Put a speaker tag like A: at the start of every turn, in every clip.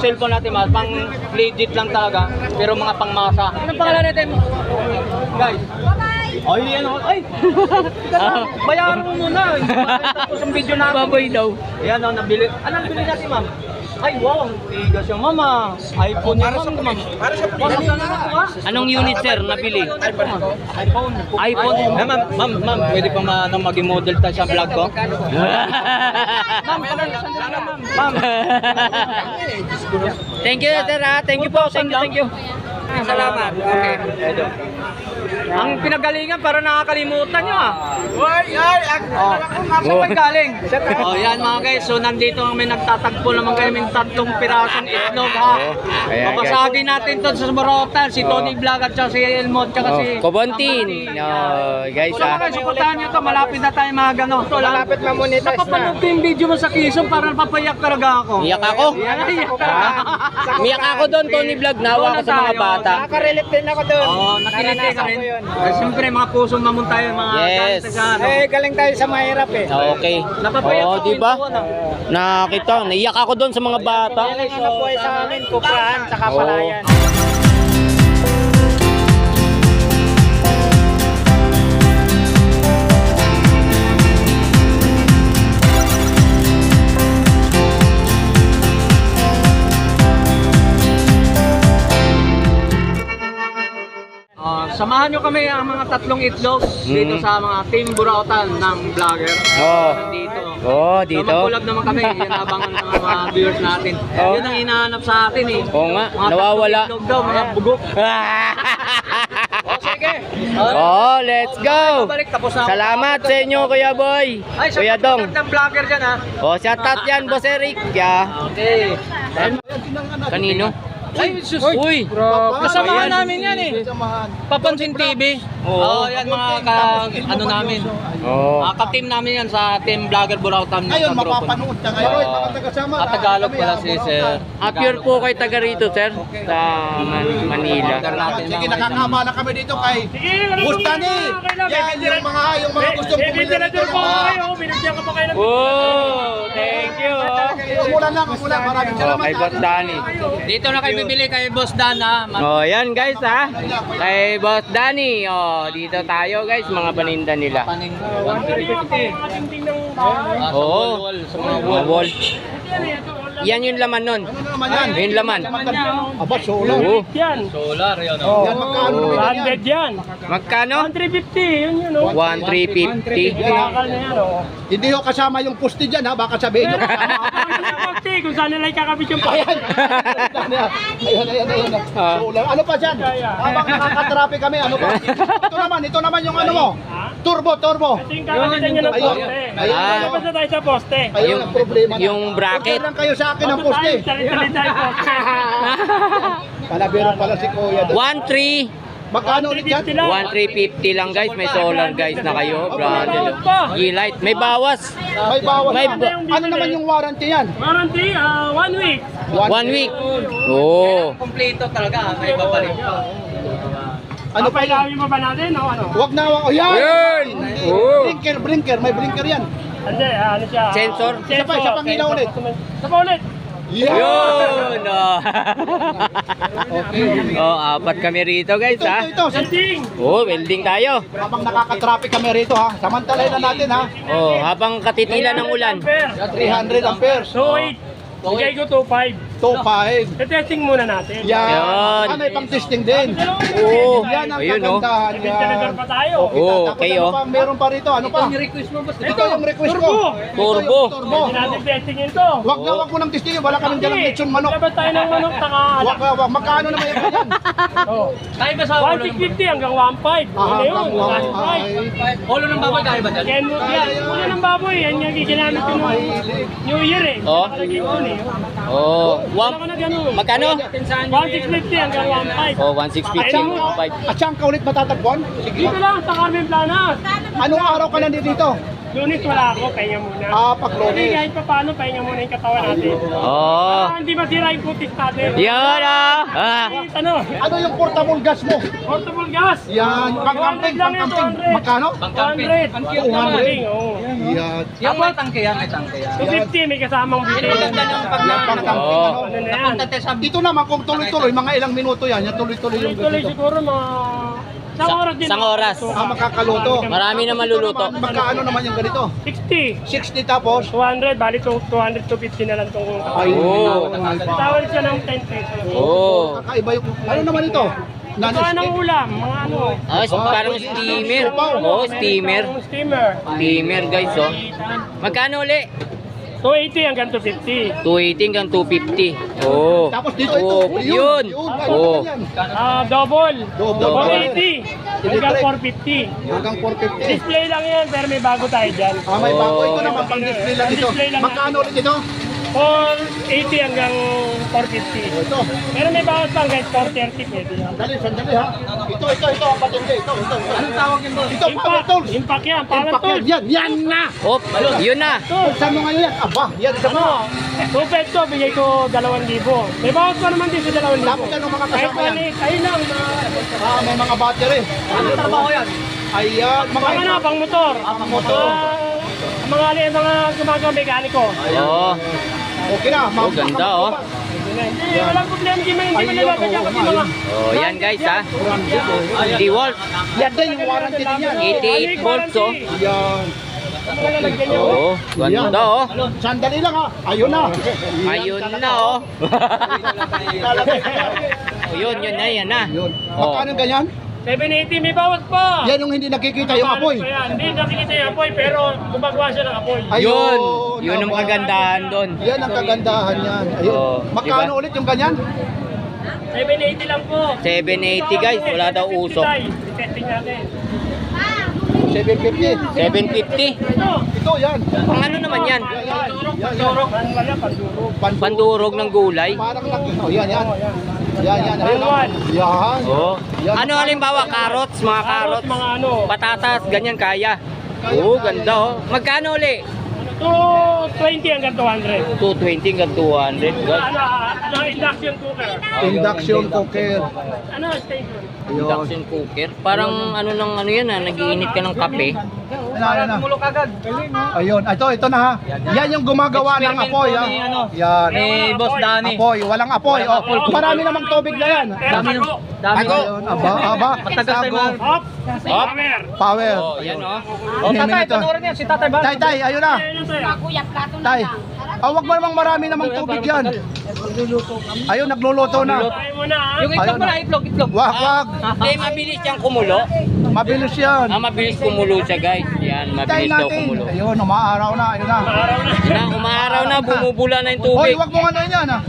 A: cellphone natin, mas pang legit lang talaga, pero mga pangmasa. Anong pangalan natin? Guys. Ay, yan o. Ay! Bayaran mo muna. Tapos ang video natin.
B: Baboy daw.
A: Ayan o, nabili. Anong bili natin, ma'am? Ay, wow. Tigas yung mama. iPhone yung ma'am. Para sa
B: Anong unit sir nabili?
A: iPhone. iPhone. Ma'am, pwede pa maging model tayo sa vlog ko? Ma'am, ma'am.
B: Thank you sir ha. Thank you po. Thank you.
A: Salamat. Okay. Ang pinagalingan para nakakalimutan nyo Saan kayo galing? Yan mga guys, so nandito kami nagtatagpo naman kami ng 3 pirasong itlog Papasagin natin to sa Morotan, si Tony Vlog at si Elmo at si
B: Kobontin. Guys
A: so mga suportahan nyo to, malapit na tayo mga gano'n. Malapit mamonetize na. Napapanood ko yung video mo sa Quezon para napapayak talaga ako.
B: Iyak ako? Iyak ako doon, Tony Vlog. Nawa ako sa mga bata.
C: Nakarelate din ako doon.
A: Oo, nakiliti ka rin. Siyempre, mga pusong mamon tayo, mga
B: Yes.
C: Galing tayo sa mahirap eh.
B: Okay. Oo, di ba? Nakita, naiyak ako doon sa mga bata.
C: Ang nabuhay sa amin, kuprahan, saka palayan.
A: Samahan nyo kami ang mga 3 itlog dito sa mga Team Burautan ng vlogger. Dito.
B: Dito.
A: So, mag-collab naman kami. Yan abangan ng mga viewers natin. Yun ang hinahanap sa atin eh.
B: Oo nga,
A: Mga
B: nawawala.
A: 3 itlog daw, mga bugok. Sige.
B: Let's go.
A: Babalik, tapos na.
B: Salamat sa inyo, Kuya Boy.
A: Ay,
B: Kuya Dong.
A: ng vlogger dyan ha.
B: Shout out yan, Boss Eric.
A: Okay.
B: Kanino?
A: Ay, sus.
B: Uy,
A: kasamahan namin yan eh. Papansin TV. Yan mga ano namin. Ka-team namin yan sa Team Vlogger Burautan.
D: Ngayon, mapapanood ka ngayon.
A: Tagalog pala si Sir.
B: Pure po kay taga rito, sir, sa Manila.
D: Sige, nakakama na kami dito kay Bustani. Yan, yung mga gustong bumili dito.
B: Thank you.
D: Umulan lang, umulan. Maraming salamat.
B: Kay Boss Danny.
A: Dito na kayo bibili kay Boss Dan ha.
B: Yan guys ha. Kay Boss Danny. Dito tayo guys, mga paninda nila. Mga wall. Yan yung laman nun. Yung laman.
D: Aba, solar.
A: Solar yun.
D: Yan, magkano naman yan?
C: 100 yan.
B: Magkano?
C: 1,350 yun yun o.
B: 1,350.
C: Bakal na yan o.
D: Hindi ko kasama yung poste dyan ha. Baka sabihin nyo kasama.
C: Kung saan nila ikakabit yung
D: Ayan. Ayan. Solar. Ano pa dyan? Habang nakakatrapi kami, ano pa? Ito naman yung ano mo. Turbo.
C: Ito yung kakabitan nyo ng poste. Labas na tayo sa poste.
D: Ayun ang problema.
B: Yung bracket.
D: Order lang kayo sa akin ng poste.
C: Salit-salit tayo poste.
D: Palabiro pala si Kuya.
B: 1,350
D: Magkano ulit yan?
B: 1,350 lang guys. May solar guys na kayo. Brother. G-Light. May bawas.
D: May bawas
B: May
D: na. Ano naman yung warranty yan?
C: Warranty, 1 week.
B: 1 week.
A: Kompleto talaga. May babalik.
D: Ano pa yan?
C: Kailangan mo ba natin o ano?
D: Wag na. Oh, yan! Blinker. May blinker yan.
C: Hindi, ano siya?
B: Sensor?
D: Isa pa ilaw ulit.
C: Isa pa ulit.
B: Yun! Apat kami rito guys ha.
D: Ito.
C: Sensing.
B: Welding tayo.
D: Habang nakaka-traffic kami rito ha. Samantalahin na natin ha.
B: Habang katitila ng ulan.
D: 300 amperes.
C: So, 8. Bigay ko 2.5.
D: 2.5.
C: Testing muna natin.
D: Yan. May pang-testing din. Yan ang kagandahan.
C: Talagang pa tayo.
B: Okay
D: Meron pa rito. Ano pa? Ito yung request ko.
B: Turbo.
C: Hindi natin testingin to.
D: Wag mo nang testingin. Wala kaming dalang lechon manok.
C: Labas tayo ng manok,
D: Wag. Magkano naman yan?
A: Tayo ba sa
C: 1,650 hanggang 1,500. Ano yun? 1,500.
A: Ulo ng baboy tayo ba dyan?
C: Yan, ulo ng baboy. Yan yung giginamit ko nung New Year eh. Nakalagay ko eh. Wala ko na gano'n.
B: Magkano?
C: 1,650 hanggang 1,500.
B: 1,650.
D: At saan ka ulit matatagpuan?
C: Dito lang sa Carmen Planas.
D: Anong araw ka nandito dito?
C: Lunes wala ako, pahinga muna.
D: Pag
C: Kasi
D: Lunes.
C: kahit pa paano, pahinga muna yung katawan natin. Para hindi masira yung kutis natin.
B: Yan
C: Ano?
D: Ano yung portable gas mo?
C: Portable gas.
D: Yan. Pang-camping.
C: 200 lang yan, 200.
D: Magkano?
C: 200. Ang cute naman. Oo.
D: Yan.
A: Yung may tangke yan, may tangke yan.
C: 250, may kasamang
A: Ano
C: bitin.
A: maganda yung pag
D: Yan pang camping,
B: Oo.
D: ano.
C: Ano na yan?
D: Dito naman kung tuloy-tuloy, mga ilang minuto yan. Yan tuloy-tuloy yung
C: Tuloy-tuloy
D: dito.
C: siguro mga... Isang oras din.
B: Isang oras.
D: Makakaluto.
B: Marami na maluluto.
D: Magkaano naman yung ganito?
C: 60.
D: 60 tapos?
C: 200, bali 200 to 50 na lang itong
D: Ay,
B: Oo.
C: tawad siya ng 10 pesos.
B: Oh.
D: kakaiba yung... Ano naman ito?
C: Ito anong ulam, mga ano.
B: Ah, parang steamer. Oh, steamer.
C: Amerikanong steamer.
B: Steamer guys, oh. Magkano uli?
C: 280 hanggang 250.
B: 280 hanggang 250. Oh.
D: Tapos dito ito.
B: Oh, yun. Oh.
C: Double.
D: Double.
C: 480 hanggang 450.
D: Hanggang 450.
C: Display lang yan, pero may bago tayo dyan.
D: May bago. Ito
B: Oh.
D: naman pang display lang ito.
C: Display lang
D: Magkano ulit ito?
C: 480 hanggang 450.
D: Ito.
C: Pero may bawas pang guys, 430 pwede yan.
D: Sandali ha. Ito. Ang patindi. Ito. Anong tawag yun doon? Ito, power
C: Impact,
D: tools.
C: impact yan, power
D: Impact
C: tools.
D: yan na.
B: Oh, yun na.
D: Saan mo ngayon yan? Aba, yan. Isa mo.
C: Ano, 2 peso, bigay ko 2,000. May bawas pa naman din sa 2,000.
D: Tapos ano mga
C: Kahit
D: kasama yan?
C: ayun lang,
D: May mga battery.
A: Ano trabaho yan?
D: Ayan.
C: pang ano, pang motor.
A: Pang motor.
C: Mga gumagawa mekaniko.
B: Oh.
D: Okay na.
B: Oh, ganda, oh.
C: Hindi, walang problema, hindi man nalagyan kasi mga...
B: Oh, yan guys, ha. DeWalt.
D: Yan din yung warranty din yan.
B: 88 volts, oh.
D: Yan.
C: Mga lalagyan niyo.
B: Oh, ganda, oh.
D: Sandali lang ha. Ayun na.
B: Ayun na, oh. Oh, yun na, yan na.
D: Yun.
B: Oh.
D: Magkano ganyan?
C: 780, may bawas pa.
D: Yan yung hindi nakikita yung apoy.
C: Hindi nakikita yung apoy, pero gumagawa siya ng apoy.
B: Yun. Yun ang kagandahan doon.
D: Yan ang kagandahan yan. Ayun.
B: Oh,
D: Magkano
B: diba?
D: ulit yung ganyan?
C: 780 lang po.
B: 780 guys, wala daw usok.
C: Testing natin.
D: 750.
B: 750.
D: Ito yan.
B: Pang ano naman yan?
C: Pandurog. Pandurog.
B: Pandurog ng gulay.
D: Parang yan. Yan.
C: Taiwan.
D: Yan.
B: Oh.
D: Yan.
B: Ano halimbawa, carrots, mga carrots,
C: Mga ano.
B: patatas, ganyan kaya. Oh, ganda, oh. Magkano uli?
C: 220 hanggang 200.
B: 220 hanggang 200. Guys.
C: Ano, induction cooker.
D: Induction cooker.
C: Ano, station.
D: Ayun.
B: Induction cooker. Parang ano ng ano yan, nagiinit ka ng kape.
D: Yan na.
A: Tumulok agad.
D: Ayun. Ito na ha. Yan yung gumagawa ng apoy ha.
A: Ni, ano,
D: Yan.
A: ni Boss Danny.
D: Apoy. Walang apoy. Oh. Marami namang tubig na yan.
C: Dami ng...
A: Dami
B: Ako.
D: Ayun. Aba.
A: Matagal tayo
D: Tago.
C: Hop! Hammer!
D: Power.
B: Oh, yan oh.
A: Oh, tatay, panoorin niya. Si tatay ba?
D: Tay, ayun na.
C: Ayun tayo.
D: Tay. Wag mo namang marami namang tubig yan. Ayun, nagluluto na.
C: Tayo muna ha.
A: Yung itlog pala, itlog.
D: Wag.
B: Hindi, mabilis siyang kumulo.
D: Mabilis yan.
B: Mabilis kumulo siya guys. Yan,
D: Tay
B: mabilis daw
D: natin.
B: kumulo.
D: Ayun, umaaraw na. Ayun na.
C: Araw na.
B: Yan na, umaaraw na, bumubula na yung
D: Hoy,
B: tubig.
D: wag mo ano yan ha.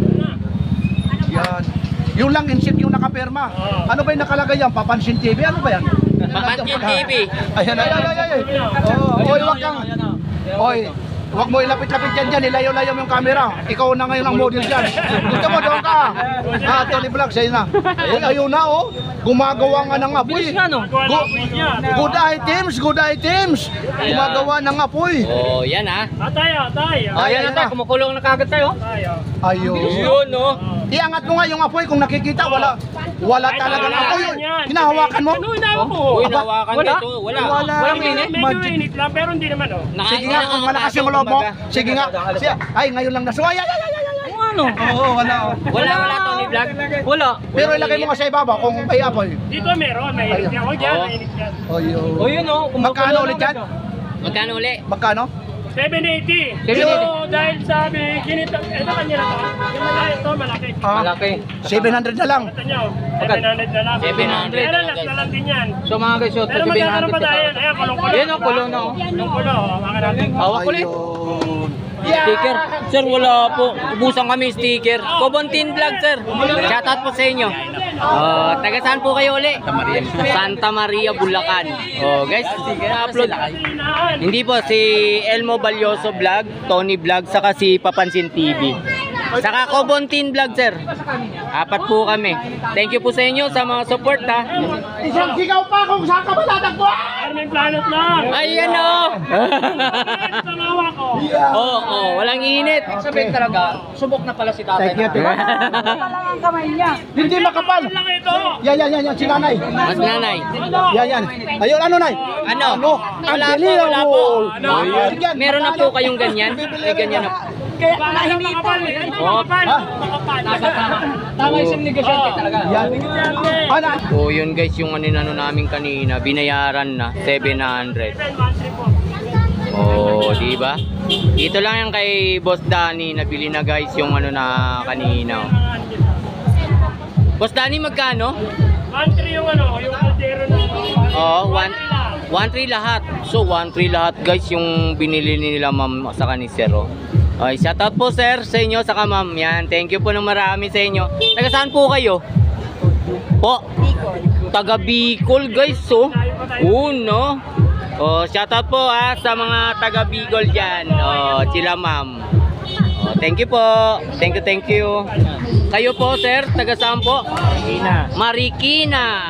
D: Yan. Yung lang insect yung nakapirma. Ano ba yung nakalagay yan? Papansin TV? Ano ba yan?
B: Papansin TV.
D: Ayan. Hoy, wag kang. Hoy, wag mo ilapit-lapit dyan. Ilayo-layo mo yung camera. Ikaw na ngayon ang model dyan. Gusto mo doon ka. Tony Vlog, sa'yo na. Hoy, ayun na oh. Gumagawa nga ng apoy.
A: Bilis nga, no?
C: Magawa na po niya.
D: Good items. Gumagawa ng apoy.
B: Oh, yan ha.
C: Atay.
A: Oh, yan na tayo. Kumukulong na kagad tayo.
C: Tayo.
D: Ayun.
B: Yun no.
D: Iangat mo nga yung apoy kung nakikita. Wala talagang apoy. Hinahawakan mo?
C: Ano, hinahawakan ko.
B: Uy,
D: Aba,
B: nawakan
A: wala.
B: dito. Wala.
A: Walang init.
C: Medyo init lang, pero hindi naman oh.
D: Sige nga, kung malakas yung loob mo. Sige nga. Ay, ngayon lang nasuwa. Ay.
A: Ano?
D: Oo, wala.
B: Wala, Tony Vlog.
A: Wala.
D: Pero ilagay mo nga sa ibaba kung may apoy.
C: Dito meron, may init yan. Huwag yan, may init yan.
D: Ayun.
A: O yun o.
D: Magkano ulit yan?
B: Magkano uli?
D: Magkano?
C: 780.
A: 780.
C: So, dahil sabi, ginito, ito kanya na to. Yung malaki ito, malaki.
A: Malaki.
D: 700 na lang.
C: Ito nyo, 700 na lang.
B: 700
C: Pero
B: na lang,
C: last na
B: guys.
C: lang din yan.
A: So mga guys, so
C: Pero magkakaroon pa tayo. Ayan, kulong-kulong.
A: Yan o, kulong na o.
C: Kulong-kulong, hawakan natin.
A: Hawak ulit.
D: Ayun.
B: Sticker. Sir, wala po. Ubusan kami sticker. Kobontin Vlog, sir. Shoutout po sa inyo. Taga saan po kayo uli? Santa Maria, Bulacan. Oh, guys, na-upload. Hindi po, si Elmo Balyoso Vlog, Tony Vlog, saka si Papansin TV. Saka Kobontin Vlog, sir. 4 po kami. Thank you po sa inyo sa mga support, ha.
D: Isang sigaw pa kung saan ka matatagpuan!
C: Carmen Planet lang.
B: Ayan, oh.
C: Sa mga ako.
B: Oo, walang init.
A: Sabihin talaga, subok na pala si tatay.
D: Thank you. Hindi makapal.
C: Lang ito.
D: Yan, si nanay.
B: Mas nanay.
D: Yan. Ayun, ano, nay?
B: Ano?
D: Ang
B: Wala po,
D: dali,
B: wala po.
D: Ayun, yan.
B: Meron na po kayong ganyan? May ganyan na po.
C: Kaya makapal. Makapal.
A: Tama yung negosyante talaga.
D: Yan. Ano?
B: So yun guys, yung ano namin kanina, binayaran na 700. Oh, di ba? Dito lang yan kay Boss Danny, nabili na guys yung ano na kanina. Boss Danny, magkano?
C: 1-3 yung ano, yung kaldero na.
B: Oh, 1-3 lahat. So 1-3 lahat guys yung binili nila ma'am sa kanisir. Oh. Okay, shoutout po sir sa inyo saka ma'am. Yan, thank you po ng marami sa inyo. Taga saan po kayo? Po? Taga Bicol guys, oh. No? Oh, shoutout po sa mga taga Bicol diyan. Oh, sila ma'am. Oh, thank you po. Thank you. Kayo po sir, taga saan po? Marikina.